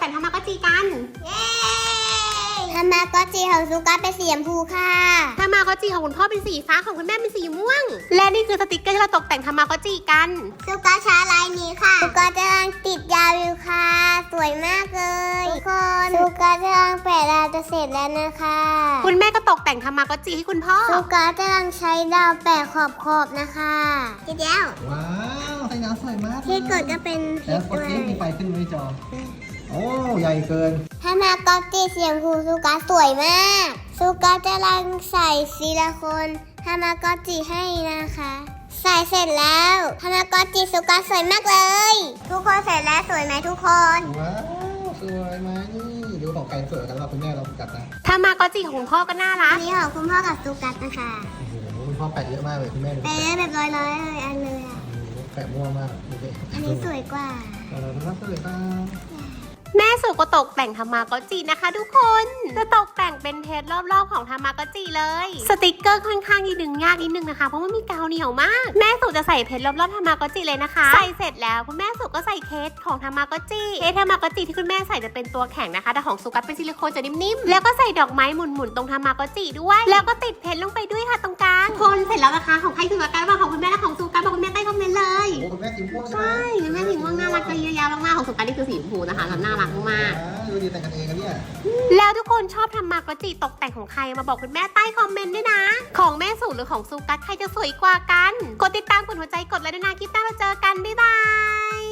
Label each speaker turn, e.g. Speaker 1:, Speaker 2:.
Speaker 1: แต่งทามากอจิกันเย้
Speaker 2: ทามากอจิของซูกัสเป็นสีชมพูค่ะ
Speaker 1: ทามากอจิของคุณพ่อเป็นสีฟ้าของคุณแม่เป็นสีม่วงและนี่คือสติกเกอร์ที่เราตกแต่งทามากอจิกัน
Speaker 2: ซูกัสใช้ลายนี้ค่ะซูกัสกำลังติดยาวอยู่ค่ะสวยมากเลยทุกคนซูกัสกำลังแปะดาวจะเสร็จแล้วนะคะ
Speaker 1: คุณแม่ก็ตกแต่งทามากอจิให้คุณพ่อ
Speaker 2: ซูกัสกำลังใช้ดาวแปะขอบๆนะคะทีเดียว
Speaker 3: ว้าวไฟน้ำสวยมาก
Speaker 2: ที่กดก็เป็น
Speaker 3: แล้วกดที่มีไฟขึ้นไหมจอโอ้ใหญ่เกิน
Speaker 2: ทามากอจิสีชมพูซูกัสสวยมากซูกัสกำลังใส่ซิลิโคนทามากอจิให้นะคะใส่เสร็จแล้วทามากอจิซูกัสสวยมากเลยทุกคนเสร็จแล้วสวยไหมทุกคน
Speaker 3: ว้าวสวยไหมนี่ดูของใครสวยกันเราคุณแม่เรากัดนะ
Speaker 1: ทามากอจิของคุณพ่อก็น่ารั
Speaker 2: อั
Speaker 1: ก
Speaker 2: นนี้ของคุณพ่อกับซูกัสนะคะ
Speaker 3: โอ้โหคุณพ่อแปะเยอะมากเลยคุณแม่ดู
Speaker 2: แปะแบบร้อยๆเลยอันเลยอ่ะ
Speaker 3: แปะมั่วมากดูดิ
Speaker 2: อันนี้สวยกว่า
Speaker 3: เราดูน่าสวยจัง
Speaker 1: แม่สุก็ตกแต่งทามากอจินะคะทุกคนจะตกแต่งเป็นเพจรอบๆของทามากอจิเลยสติกเกอร์ค่อนข้างดึงยากนิดนึงนะคะเพราะว่ามีกาวเหนียวมากแม่สุจะใส่เพจรอบๆทามากอจิเลยนะคะใส่เสร็จแล้วคุณแม่สุก็ใส่เคสของทามากอจิทามากอจิที่คุณแม่ใส่จะเป็นตัวแข็งนะคะแต่ของสุกัสเป็นซิลิโคนจะนิ่มๆแล้วก็ใส่ดอกไม้หมุนๆตรงทามากอจิด้วยแล้วก็ติดเพจลงไปด้วยค่ะตรงกลางคนเสร็จแล้วนะคะของใครคือกันบ้างของคุณแม่และของสุกัสบอกคุณแม่ใต้คอมเมนต์เลย
Speaker 3: โอ้คุณแม่สีม่วงใช่ไหม
Speaker 1: ใช่คุณแม่สีม่วงน่ารักเลยเยอะแยะมากๆของสุกัสนี่คือสีชมพูนะคะแล้วน่ารักมาก
Speaker 3: ดูดีแต่งกันเองกันเนี่ย
Speaker 1: แล้วทุกคนชอบทำมากอจิตกแต่งของใครมาบอกคุณแม่ใต้คอมเมนต์ด้วยนะ ของแม่สูหรือของซูกัสใครจะสวยกว่ากัน กดติดตามกดหัวใจกดไลค์ด้วยนะคลิปหน้าเราเจอกัน บ๊ายบาย